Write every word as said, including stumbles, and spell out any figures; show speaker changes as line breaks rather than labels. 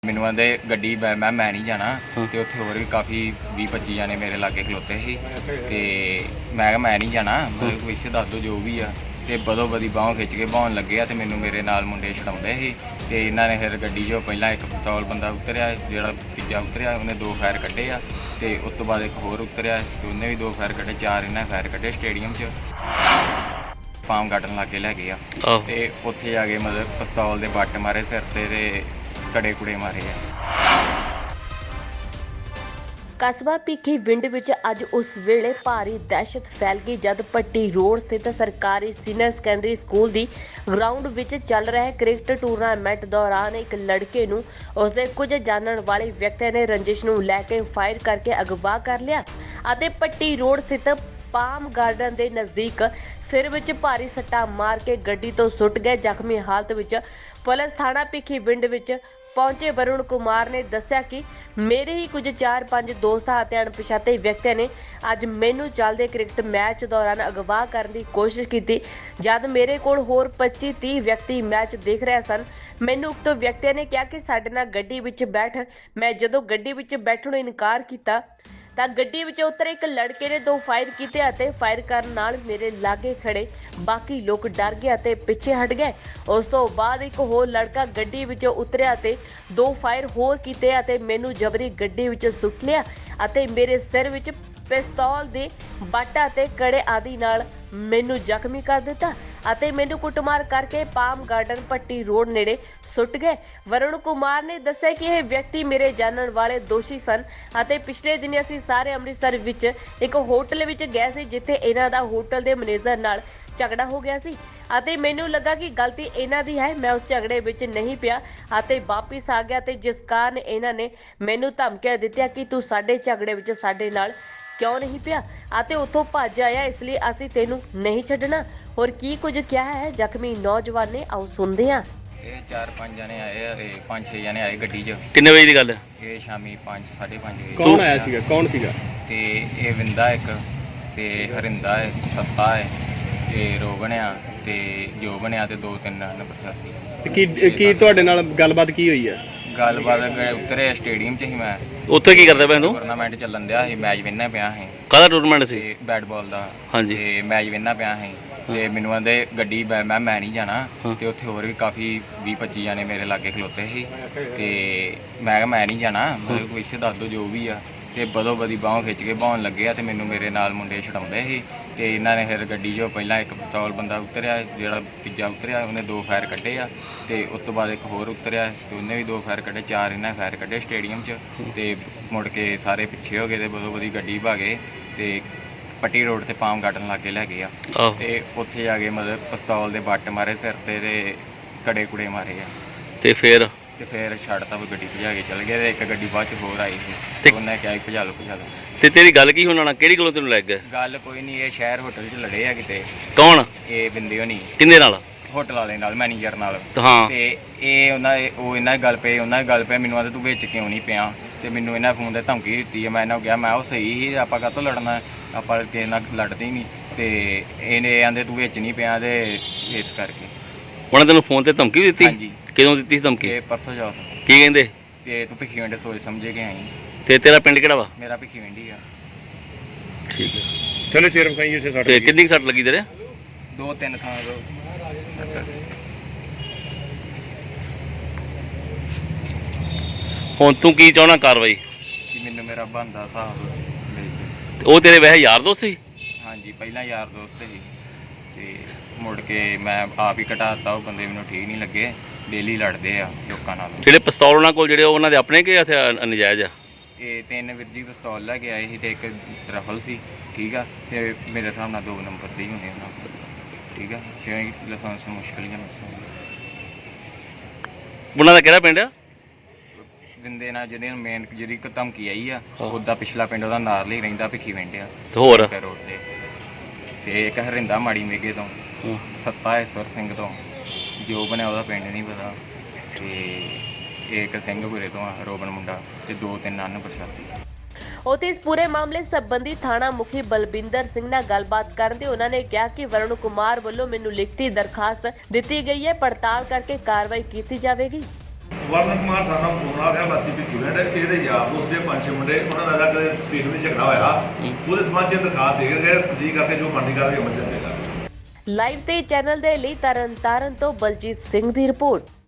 ਮੈਨੂੰ ਆਂਦੇ ਗੱਡੀ ਮੈਂ ਮੈਂ ਮੈਂ ਨਹੀਂ ਜਾਣਾ ਤੇ ਉੱਥੇ ਹੋਰ ਵੀ ਕਾਫੀ ਵੀਹ ਪੱਚੀ ਜਾਣੇ ਮੇਰੇ ਲਾਗੇ ਖਲੋਤੇ ਸੀ ਤੇ ਮੈਂ ਕਿਹਾ ਮੈਂ ਨਹੀਂ ਜਾਣਾ ਮਤਲਬ ਵਿੱਚ ਦੱਸ ਦਿਓ ਜੋ ਵੀ ਆ ਤੇ ਬਦੋ ਬਦੀ ਬਾਹੋਂ ਖਿੱਚ ਕੇ ਬਾਹਣ ਲੱਗੇ ਆ ਤੇ ਮੈਨੂੰ ਮੇਰੇ ਨਾਲ ਮੁੰਡੇ ਛਡਾਉਂਦੇ ਸੀ ਤੇ ਇਹਨਾਂ ਨੇ ਫਿਰ ਗੱਡੀ 'ਚੋਂ ਪਹਿਲਾਂ ਇੱਕ ਪਿਸਤੌਲ ਬੰਦਾ ਉਤਰਿਆ ਜਿਹੜਾ ਤੀਜਾ ਉਤਰਿਆ ਉਹਨੇ ਦੋ ਫਾਇਰ ਕੱਢੇ ਆ ਤੇ ਉਸ ਤੋਂ ਬਾਅਦ ਇੱਕ ਹੋਰ ਉਤਰਿਆ ਤੇ ਉਹਨੇ ਵੀ ਦੋ ਫਾਇਰ ਕੱਢੇ ਚਾਰ ਇਹਨਾਂ ਫਾਇਰ ਕੱਢੇ ਸਟੇਡੀਅਮ 'ਚ ਪਾਮ ਗਾਰਡਨ ਲਾਗੇ ਲੈ ਗਏ ਆ ਤੇ ਉੱਥੇ ਜਾ ਕੇ ਮਤਲਬ ਪਿਸਤੌਲ ਦੇ ਬੱਟ ਮਾਰੇ ਸਿਰ ਤੇ ਤੇ ਕੜੇ ਕੁੜੇ ਮਾਰੇ ਆ।
ਕਸਬਾ ਭਿੱਖੀਵਿੰਡ ਵਿੱਚ ਅੱਜ ਉਸ ਵੇਲੇ ਭਾਰੀ ਦਹਿਸ਼ਤ ਫੈਲ ਗਈ ਜਦ ਪੱਟੀ ਰੋਡ ਸਥਿਤ ਸਰਕਾਰੀ ਸੀਨੀਅਰ ਸੈਕੰਡਰੀ ਸਕੂਲ ਦੀ ਗਰਾਊਂਡ ਵਿੱਚ ਚੱਲ ਰਹੇ ਕ੍ਰਿਕਟ ਟੂਰਨਾਮੈਂਟ ਦੌਰਾਨ ਇੱਕ ਲੜਕੇ ਨੂੰ ਉਸਦੇ ਕੁਝ ਜਾਣਨ ਵਾਲੇ ਵਿਅਕਤੀਆਂ ਨੇ ਰੰਜਿਸ਼ ਨੂੰ ਲੈ ਕੇ ਫਾਇਰ ਕਰਕੇ ਅਗਵਾ ਕਰ ਲਿਆ ਅਤੇ ਪੱਟੀ ਰੋਡ ਸਥਿਤ ਪਾਮ ਗਾਰਡਨ ਦੇ ਨਜ਼ਦੀਕ ਸਿਰ ਵਿੱਚ ਭਾਰੀ ਸੱਟਾਂ ਮਾਰ ਕੇ ਗੱਡੀ ਤੋਂ ਸੁੱਟ ਗਏ। ਜ਼ਖਮੀ ਹਾਲਤ ਵਿੱਚ ਪੁਲਿਸ ਥਾਣਾ ਭਿੱਖੀਵਿੰਡ ਵਿੱਚ ਪਹੁੰਚੇ ਵਰੁਣ ਕੁਮਾਰ ਨੇ ਦੱਸਿਆ ਕਿ ਮੇਰੇ ਹੀ ਕੁਝ ਚਾਰ ਪੰਜ ਦੋਸਤਾਂ ਅਤੇ ਅਣਪਛਾਤੇ ਵਿਅਕਤੀਆਂ ਨੇ ਅੱਜ ਮੈਨੂੰ ਚੱਲਦੇ ਕ੍ਰਿਕਟ ਮੈਚ ਦੌਰਾਨ ਅਗਵਾ ਕਰਨ ਦੀ ਕੋਸ਼ਿਸ਼ ਕੀਤੀ। ਜਦ ਮੇਰੇ ਕੋਲ ਹੋਰ ਪੱਚੀ ਤੀਹ ਵਿਅਕਤੀ ਮੈਚ ਦੇਖ ਰਹੇ ਸਨ, ਮੈਨੂੰ ਉਕਤ ਵਿਅਕਤੀਆਂ ਨੇ ਕਿਹਾ ਕਿ ਸਾਡੇ ਨਾਲ ਗੱਡੀ ਵਿੱਚ ਬੈਠ। ਮੈਂ ਜਦੋਂ ਗੱਡੀ ਵਿੱਚ ਬੈਠਣ ਨੂੰ ਇਨਕਾਰ ਕੀਤਾ ਤਾਂ ਗੱਡੀ ਵਿੱਚ ਉਤਰੇ ਇੱਕ ਲੜਕੇ ਨੇ ਦੋ ਫਾਇਰ ਕੀਤੇ ਅਤੇ ਫਾਇਰ ਕਰਨ ਨਾਲ ਮੇਰੇ ਲਾਗੇ ਖੜੇ ਬਾਕੀ ਲੋਕ ਡਰ ਗਏ ਅਤੇ ਪਿੱਛੇ ਹਟ ਗਏ। ਉਸ ਤੋਂ ਬਾਅਦ ਇੱਕ ਹੋਰ ਲੜਕਾ ਗੱਡੀ ਵਿੱਚੋਂ ਉਤਰਿਆ ਅਤੇ ਦੋ ਫਾਇਰ ਹੋਰ ਕੀਤੇ ਅਤੇ ਮੈਨੂੰ ਜਬਰੀ ਗੱਡੀ ਵਿੱਚ ਸੁੱਟ ਲਿਆ ਅਤੇ ਮੇਰੇ ਸਿਰ ਵਿੱਚ ਪਿਸਤੌਲ ਦੇ ਬੱਟ ਅਤੇ ਕੜੇ ਆਦਿ ਨਾਲ ਮੈਨੂੰ ਜ਼ਖਮੀ ਕਰ ਦਿੱਤਾ ਅਤੇ ਮੈਨੂੰ ਕੁੱਟਮਾਰ ਕਰਕੇ ਪਾਮ ਗਾਰਡਨ ਪੱਟੀ ਰੋਡ ਨੇੜੇ ਸੁੱਟ ਗਏ। ਵਰੁਣ ਕੁਮਾਰ ਨੇ ਦੱਸਿਆ ਕਿ ਇਹ ਵਿਅਕਤੀ ਮੇਰੇ ਜਾਣਨ ਵਾਲੇ ਦੋਸ਼ੀ ਸਨ ਅਤੇ ਪਿਛਲੇ ਦਿਨ ਅਸੀਂ ਸਾਰੇ ਅੰਮ੍ਰਿਤਸਰ ਵਿੱਚ ਇੱਕ ਹੋਟਲ ਵਿੱਚ ਗਏ ਸੀ ਜਿੱਥੇ ਇਹਨਾਂ ਦਾ ਹੋਟਲ ਦੇ ਮੈਨੇਜਰ ਨਾਲ ਝਗੜਾ ਹੋ ਗਿਆ ਸੀ ਅਤੇ ਮੈਨੂੰ ਲੱਗਾ ਕਿ ਗਲਤੀ ਇਹਨਾਂ ਦੀ ਹੈ। ਮੈਂ ਉਸ ਝਗੜੇ ਵਿੱਚ ਨਹੀਂ ਪਿਆ ਅਤੇ ਵਾਪਿਸ ਆ ਗਿਆ ਤੇ ਜਿਸ ਕਾਰਨ ਇਹਨਾਂ ਨੇ ਮੈਨੂੰ ਧਮਕੀਆਂ ਦਿੱਤੀਆਂ ਕਿ ਤੂੰ ਸਾਡੇ ਝਗੜੇ ਵਿੱਚ ਸਾਡੇ ਨਾਲ ਕਿਉਂ ਨਹੀਂ ਪਿਆ ਅਤੇ ਉੱਥੋਂ ਭੱਜ ਆਇਆ, ਇਸ ਲਈ ਅਸੀਂ ਤੈਨੂੰ ਨਹੀਂ ਛੱਡਣਾ। ਹੋਰ ਕੀ ਕੁਝ ਕਿਹਾ ਹੈ ਜ਼ਖਮੀ ਨੌਜਵਾਨ ਨੇ, ਆਓ ਸੁਣਦੇ ਹਾਂ।
ਇਹ ਚਾਰ ਪੰਜ ਜਣੇ ਆਏ ਆ ਤੇ ਪੰਜ ਛੇ ਜਣੇ ਆਏ ਗੱਡੀ 'ਚ।
ਕਿੰਨੇ ਵਜੇ ਦੀ ਗੱਲ ਹੈ?
ਇਹ ਸ਼ਾਮੀ ਪੰਜ ਸਾਢੇ ਪੰਜ ਵਜੇ।
ਕੌਣ ਆਇਆ ਸੀਗਾ? ਕੌਣ ਸੀਗਾ?
ਤੇ ਇਹ ਵਿੰਦਾ ਇੱਕ ਤੇ ਹਰਿੰਦਾ ਹੈ, ਸੱਤਾ ਹੈ ਤੇ ਰੋਗਣ ਆ ਤੇ ਜੋਬਨ ਆ ਤੇ ਦੋ ਤਿੰਨ ਨੰਬਰ
ਤੇ ਕੀ ਕੀ ਤੁਹਾਡੇ ਨਾਲ ਗੱਲਬਾਤ ਕੀ ਹੋਈ ਹੈ?
ਗੱਲਬਾਤ ਉਤਰੇ ਸਟੇਡੀਅਮ 'ਚ ਹੀ ਮੈਂ
ਉੱਥੇ ਕੀ ਕਰਦਾ ਪਿਆ ਤੂੰ?
ਟੂਰਨਾਮੈਂਟ ਚੱਲਣ ਦਿਆ ਸੀ, ਮੈਚ ਵਿੰਨਾ ਪਿਆ ਸੀ।
ਕਾਹਦਾ ਟੂਰਨਾਮੈਂਟ ਸੀ?
ਤੇ ਬੈਟ ਬਾਲ ਦਾ।
ਹਾਂਜੀ।
ਤੇ ਮੈਚ ਵਿੰਨਾ ਪਿਆ ਸੀ ਤੇ ਮੈਨੂੰ ਆਂਦੇ ਗੱਡੀ ਮੈਂ ਮੈਂ ਮੈਂ ਨਹੀਂ ਜਾਣਾ ਤੇ ਉੱਥੇ ਹੋਰ ਵੀ ਕਾਫੀ ਵੀਹ ਪੱਚੀ ਜਾਣੇ ਮੇਰੇ ਲਾਗੇ ਖਲੋਤੇ ਸੀ ਤੇ ਮੈਂ ਕਿਹਾ ਮੈਂ ਨਹੀਂ ਜਾਣਾ ਮਤਲਬ ਵਿੱਚ ਦੱਸ ਦਿਓ ਜੋ ਵੀ ਆ ਤੇ ਬਦੋ ਬਦੀ ਬਾਹੋਂ ਖਿੱਚ ਕੇ ਬਾਹਣ ਲੱਗੇ ਆ ਤੇ ਮੈਨੂੰ ਮੇਰੇ ਨਾਲ ਮੁੰਡੇ ਛਡਾਉਂਦੇ ਸੀ ਤੇ ਇਹਨਾਂ ਨੇ ਫਿਰ ਗੱਡੀ 'ਚੋਂ ਪਹਿਲਾਂ ਇੱਕ ਪਿਸਤੌਲ ਬੰਦਾ ਉਤਰਿਆ ਜਿਹੜਾ ਤੀਜਾ ਉਤਰਿਆ ਉਹਨੇ ਦੋ ਫਾਇਰ ਕੱਢੇ ਆ ਤੇ ਉਸ ਤੋਂ ਬਾਅਦ ਇੱਕ ਹੋਰ ਉਤਰਿਆ ਤੇ ਉਹਨੇ ਵੀ ਦੋ ਫਾਇਰ ਕੱਢੇ ਚਾਰ ਇਹਨਾਂ ਫਾਇਰ ਕੱਢੇ ਸਟੇਡੀਅਮ 'ਚ ਤੇ ਮੁੜ ਕੇ ਸਾਰੇ ਪਿੱਛੇ ਹੋ ਗਏ ਤੇ ਬਦੋ ਬਦੀ ਗੱਡੀ ਭਾਗੇ ਤੇ ਪੱਟੀ ਰੋਡ ਤੇ ਪਾਮ ਗਾਰਡਨ ਲਾਗੇ ਲੈ ਗਏ ਆ ਤੇ ਉੱਥੇ ਜਾ ਕੇ ਮਤਲਬ ਪਿਸਤੌਲ ਦੇ ਬੱਟ ਮਾਰੇ ਸਿਰ ਤੇ ਤੇ ਕੜੇ ਕੁੜੇ ਮਾਰੇ ਆ
ਤੇ ਫਿਰ
ਤੇ ਫਿਰ ਛੱਡਤਾ ਉਹ ਗੱਡੀ ਭਜਾ ਕੇ ਚਲ ਗਏ ਤੇ ਇੱਕ ਗੱਡੀ ਬਾਅਦ ਚ ਹੋਰ ਆਈ ਸੀ ਤੇ ਉਹਨੇ ਕਿਹਾ ਭਜਾ ਲਓ ਭਜਾ ਲਓ।
ਤੇ ਤੇਰੀ ਗੱਲ ਕੀ ਹੋਣਾ? ਕਿਹੜੀ ਕੋਲੋਂ ਤੈਨੂੰ ਲੱਗ ਗਿਆ?
ਗੱਲ ਕੋਈ ਨਹੀਂ, ਇਹ ਸ਼ਹਿਰ ਹੋਟਲ 'ਚ ਲੜੇ ਆ ਕਿਤੇ।
ਕੌਣ?
ਇਹ ਬਿੰਦੇ ਹੋਣੀ
ਕਿੰਨੇ ਨਾਲ?
ਹੋਟਲ ਵਾਲੇ ਨਾਲ, ਮੈਨੇਜਰ ਨਾਲ।
ਹਾਂ।
ਤੇ ਇਹ ਉਹਨਾਂ ਉਹ ਇਹਨਾਂ ਗੱਲ ਪਏ ਉਹਨਾਂ ਗੱਲ ਪਏ ਮੈਨੂੰ ਆਂਦੇ ਤੂੰ ਵਿੱਚ ਕਿਉਂ ਨਹੀਂ ਪਿਆ ਤੇ ਮੈਨੂੰ ਇਹਨਾਂ ਫੋਨ ਤੇ ਧਮਕੀ ਦਿੱਤੀ ਹੈ। ਮੈਂ ਇਹਨਾਂ ਨੂੰ ਕਿਹਾ ਮੈਂ ਉਹ ਸਹੀ ਸੀ, ਆਪਾਂ ਕਾਹਤੋਂ ਲੜਨਾ, ਆਪਾਂ ਕਿਸੇ ਨਾਲ ਲੜਦੇ ਹੀ ਨਹੀਂ ਤੇ ਇਹਨੇ ਆਂਦੇ ਤੂੰ ਵਿੱਚ ਨਹੀਂ ਪਿਆ ਤੇ ਇਸ ਕਰਕੇ
ਉਹਨਾਂ ਤੈਨੂੰ ਫੋਨ ਤੇ ਧਮਕੀ ਦਿੱਤੀ?
ਹਾਂਜੀ।
ਕਿਦੋਂ ਦਿੱਤੀ ਸੀ ਧਮਕੀ?
ਇਹ ਪਰਸੋਂ ਜਾ
ਕੀ ਕਹਿੰਦੇ?
ਤੇ ਤੂੰ ਭਿੱਖੀਵਿੰਡ ਸੋਚ ਸਮਝੇ ਕੇ ਆਈ।
ਤੇ ਤੇਰਾ ਪਿੰਡ ਕਿਹੜਾ ਵਾ?
ਮੇਰਾ ਭਿੱਖੀਵਿੰਡ ਹੀ ਆ।
ਠੀਕ ਹੈ।
ਚਲੇ ਸਿਰ ਵਿਖਾਈ ਉਸੇ ਸੱਟ
ਤੇ ਕਿੰਨੀ ਕੁ ਸੱਟ ਲੱਗੀ ਤੇਰੇ?
ਦੋ ਤਿੰਨ ਥਾਂ ਤੋਂ।
ਹੁਣ ਤੂੰ ਕੀ ਚਾਹਣਾ ਕਾਰਵਾਈ?
ਕਿ ਮੈਨੂੰ ਮੇਰਾ ਬਣਦਾ ਹਿਸਾਬ ਦੇ ਦਿਓ।
ਤੇ ਉਹ ਤੇਰੇ ਵੈਸੇ ਯਾਰ ਦੋਸਤ ਸੀ?
ਹਾਂਜੀ, ਪਹਿਲਾਂ ਯਾਰ ਦੋਸਤ ਸੀ ਤੇ ਮੁੜ ਕੇ ਮੈਂ ਆਪ ਹੀ ਘਟਾਤਾ। ਉਹ ਬੰਦੇ ਮੈਨੂੰ ਠੀਕ ਨਹੀਂ ਲੱਗੇ, ਡੇਲੀ ਲੜਦੇ ਆ ਲੋਕਾਂ ਨਾਲ।
ਜਿਹੜੇ ਪਿਸਤੌਲ ਉਹਨਾਂ ਕੋਲ ਜਿਹੜੇ ਉਹਨਾਂ ਦੇ ਆਪਣੇ ਕਿ ਹਥਿਆਰ ਨਜਾਇਜ਼ ਆ?
ਇਹ ਤਿੰਨ ਵੀਰ ਜੀ ਪਿਸਤੌਲ ਲੈ ਕੇ ਆਏ ਸੀ ਤੇ ਇੱਕ ਰਫਲ ਸੀ, ਠੀਕ ਆ। ਤੇ ਮੇਰੇ ਹਿਸਾਬ ਨਾਲ ਦੋ ਨੰਬਰ ਦੇ ਹੀ ਹੋਣੇ ਉਹਨਾਂ ਕੋਲ, ਠੀਕ ਆ। ਕਿਉਂਕਿ ਲਾਇਸੈਂਸ ਮੁਸ਼ਕਿਲ ਹੀ ਆ।
ਉਹਨਾਂ ਦਾ ਕਿਹੜਾ ਪਿੰਡ ਆ?
ਦਿੰਦੇ ਨਾਲ ਜਿਹੜੇ ਮੇਨ ਜਿਹੜੀ ਇੱਕ ਧਮਕੀ ਆਈ ਆ ਉਹਦਾ ਪਿਛਲਾ ਪਿੰਡ ਉਹਦਾ ਨਾਰਲੀ ਰਹਿੰਦਾ ਭਿੱਖੀਵਿੰਡ ਆ
ਤੇ ਹੋਰ?
ਰੋਡ ਤੇ। ਤੇ ਇੱਕ ਹਰਿੰਦਾ ਮਾੜੀ ਮੇਗੇ ਤੋਂ, ਸੱਤਾ ਈਸ਼ਵਰ ਸਿੰਘ ਤੋਂ, ਜੋ ਬਣਿਆ ਉਹਦਾ ਪਿੰਡ ਨਹੀਂ ਪਤਾ, ਤੇ ਇੱਕ ਸਿੰਘਪੁਰੇ ਤੋਂ ਆ ਰੋਬਨ ਮੁੰਡਾ, ਤੇ ਦੋ ਤਿੰਨ ਅਨ ਪ੍ਰਸ਼ਾਦੀ।
ਉੱਥੇ ਇਸ ਪੂਰੇ ਮਾਮਲੇ ਸੰਬੰਧੀ ਥਾਣਾ ਮੁਖੀ ਬਲਬਿੰਦਰ ਸਿੰਘ ਨਾਲ ਗੱਲਬਾਤ ਕਰਨ ਤੇ ਉਹਨਾਂ ਨੇ ਕਿਹਾ ਕਿ ਵਰੁਣ ਕੁਮਾਰ ਵੱਲੋਂ ਮੈਨੂੰ ਲਿਖਤੀ ਦਰਖਾਸਤ ਦਿੱਤੀ ਗਈ ਹੈ, ਪੜਤਾਲ ਕਰਕੇ ਕਾਰਵਾਈ ਕੀਤੀ ਜਾਵੇਗੀ।
ਵਰਨ ਕੁਮਾਰ ਸਾਨੂੰ ਫੋਨ ਆ ਗਿਆ ਵਾਸੀ ਵੀ ਕਿਵੇਂ ਡੇ ਇਹਦੇ ਯਾਰ ਦੋਸਤ ਦੇ ਪੰਜ ਛੇ ਮੁੰਡੇ ਉਹਨਾਂ ਦਾ ਅਲੱਗ ਸਟੇਟ ਵਿੱਚ ਝਗੜਾ ਹੋਇਆ ਉਹਦੇ ਸਮਾਜ 'ਚ ਦਰਖਾਸਤ ਦੇ ਕੇ ਗਏ ਤਸਦੀਕ ਕਰਕੇ ਜੋ ਬਣਦੀ ਕਾਰਵਾਈ ਅਮਲ ਚ ਲਿਆਂਦੀ ਜਾਵੇਗੀ।
ਲਾਈਵ ਤੇ ਚੈਨਲ ਦੇ ਲਈ ਤਰਨ ਤਾਰਨ ਤੋਂ ਬਲਜੀਤ ਸਿੰਘ ਦੀ ਰਿਪੋਰਟ।